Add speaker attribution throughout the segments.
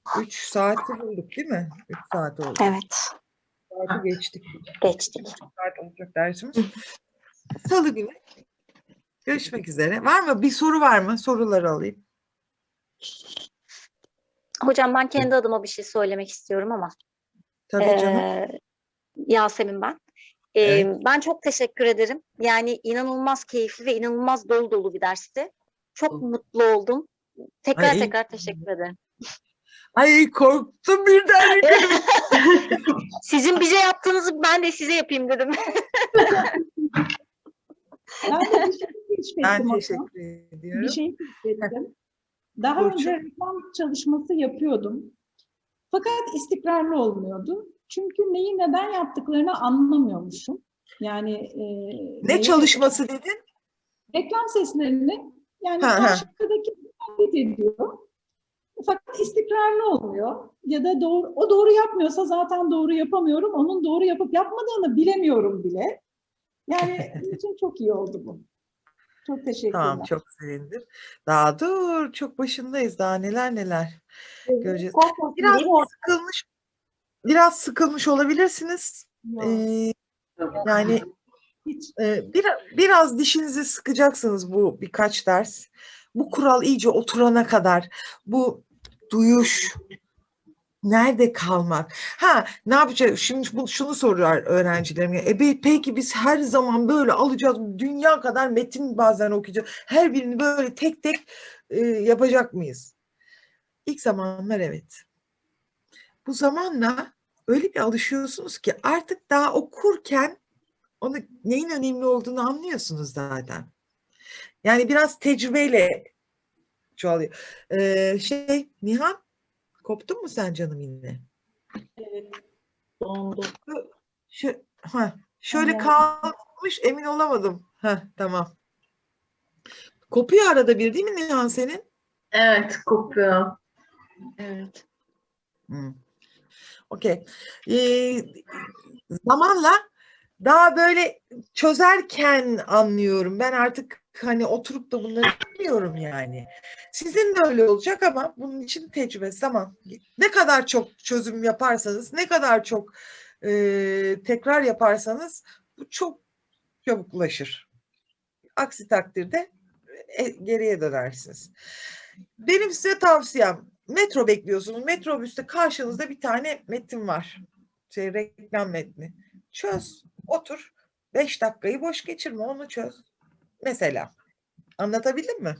Speaker 1: 3 saati bulduk değil mi? 3 saat oldu.
Speaker 2: Evet.
Speaker 1: Saati geçtik.
Speaker 2: Geçtik.
Speaker 1: 3 saat olacak dersimiz. Salı günü görüşmek üzere. Var mı? Bir soru var mı? Soruları alayım.
Speaker 2: Hocam ben kendi adıma bir şey söylemek istiyorum ama.
Speaker 1: Tabii canım.
Speaker 2: Yasemin ben.
Speaker 1: Evet.
Speaker 2: Ben çok teşekkür ederim. Yani inanılmaz keyifli ve inanılmaz dolu dolu bir dersti. Çok mutlu oldum.
Speaker 1: Ay,
Speaker 2: Tekrar teşekkür ederim.
Speaker 1: ay korktum birden.
Speaker 2: Sizin bize yaptığınızı ben de size yapayım dedim.
Speaker 3: Ben de bir şey keşfettim.
Speaker 1: Ben
Speaker 3: hocam.
Speaker 1: teşekkür ediyorum.
Speaker 3: Bir şey keşfettim. Daha
Speaker 1: Burcu.
Speaker 3: önce reklam çalışması yapıyordum. Fakat istikrarlı olmuyordu. Çünkü neyi neden yaptıklarını anlamıyormuşum. Yani
Speaker 1: Ne çalışması dedin?
Speaker 3: reklam seslerini yani
Speaker 1: Ha, ha.
Speaker 3: karşıdaki taklit ediyor. Fakat istikrarlı olmuyor. Ya da doğru yapmıyorsa zaten doğru yapamıyorum. Onun doğru yapıp yapmadığını bilemiyorum bile. Yani benim için çok iyi oldu bu. Çok teşekkürler.
Speaker 1: Tamam, çok sevindim. Daha dur, çok başındayız. Daha neler göreceğiz. Biraz sıkılmış olabilirsiniz. Yani biraz dişinizi sıkacaksınız bu birkaç ders. Bu kural iyice oturana kadar. Bu duyuş, nerede kalmak? Ne yapacağız? Şimdi şunu soruyor öğrencilerim. Peki biz her zaman böyle alacağız. Dünya kadar metin bazen okuyacağız. Her birini böyle tek tek yapacak mıyız? İlk zamanlar evet. Bu zamanla öyle bir alışıyorsunuz ki artık daha okurken onu neyin önemli olduğunu anlıyorsunuz zaten. Yani biraz tecrübeyle çoğalıyor. Nihan, koptun mu sen canım yine?
Speaker 3: Evet. Dondu.
Speaker 1: Şöyle kalmış, emin olamadım. Tamam. Kopuyor arada bir değil mi Nihan senin?
Speaker 4: Evet, kopuyor.
Speaker 2: Evet.
Speaker 1: Okey. Zamanla daha böyle çözerken anlıyorum. Ben artık hani oturup da bunları bilmiyorum yani. Sizin de öyle olacak ama bunun için tecrübe, zaman. Ne kadar çok çözüm yaparsanız, ne kadar çok tekrar yaparsanız bu çok çabuklaşır. Aksi takdirde geriye dönersiniz. Benim size tavsiyem, metro bekliyorsunuz. Metrobüste karşınızda bir tane metin var. Reklam metni. Çöz, otur. 5 dakikayı boş geçirme, onu çöz. Mesela. Anlatabildim mi?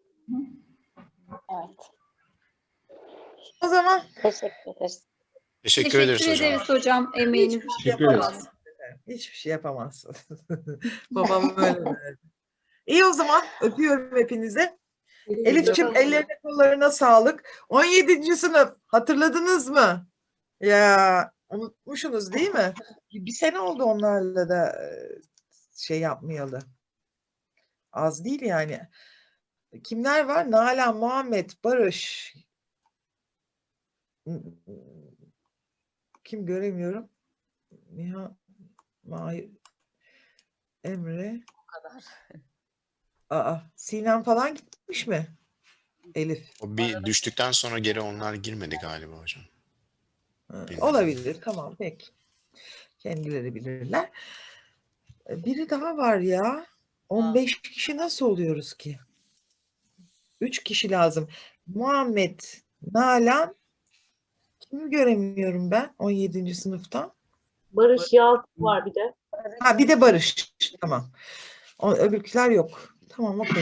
Speaker 2: Evet.
Speaker 1: O zaman
Speaker 2: Teşekkür ederiz.
Speaker 5: Teşekkür ederiz hocam.
Speaker 6: hocam. Emeğiniz
Speaker 1: hiçbir şey
Speaker 6: için.
Speaker 1: yapamazsın. Hiçbir şey yapamazsın. Babam öyle derdi. İyi, o zaman öpüyorum hepinize. Elif'ciğim, ellerine kollarına sağlık. 17. sınıf hatırladınız mı? Ya unutmuşsunuz değil mi? Bir sene oldu onlarla da yapmayalı. Az değil yani. Kimler var? Nalan, Muhammed, Barış. Kim göremiyorum? Nihan, Mahir, Emre. Sinem falan gitmiş mi? Elif.
Speaker 5: O bir düştükten sonra geri onlar girmedi galiba hocam.
Speaker 1: Olabilir. Tamam, peki. Kendileri bilirler. Biri daha var ya. 15 kişi nasıl oluyoruz ki? 3 kişi lazım. Muhammed, Nalan, kimi göremiyorum ben 17. sınıftan?
Speaker 4: Barış Yalçın var bir de.
Speaker 1: Bir de Barış. Tamam. Öbürküler yok. Tamam, okey.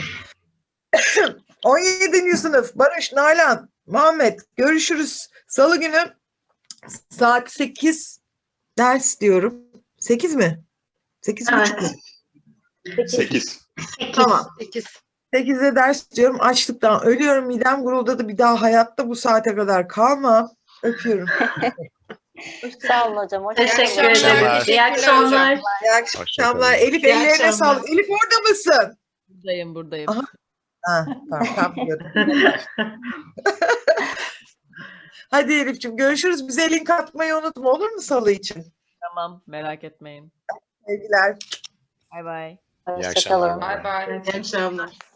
Speaker 1: 17. sınıf Barış, Nalan, Muhammed, görüşürüz. Salı günü saat 8 ders diyorum. 8 mi? 8:30 mu?
Speaker 5: 8.
Speaker 1: Tamam. 8'de ders diyorum. Açlıktan ölüyorum. Midem guruldadı. Bir daha hayatta bu saate kadar kalmam. Öpüyorum.
Speaker 2: Sağ olun hocam.
Speaker 4: Teşekkür
Speaker 5: akşamlar.
Speaker 4: ederim. İyi akşamlar.
Speaker 1: İyi akşamlar. Elif, ellerine sağlık. Elif, orada mısın?
Speaker 6: Buradayım.
Speaker 1: Aha. Tamam. Hadi Elif'ciğim, görüşürüz. Bize link atmayı unutma, olur mu salı için?
Speaker 6: Tamam, merak etmeyin.
Speaker 1: Sevgiler.
Speaker 6: Bay bay.
Speaker 5: İyi
Speaker 2: Hoşçakalın.
Speaker 5: akşamlar.
Speaker 4: İyi akşamlar.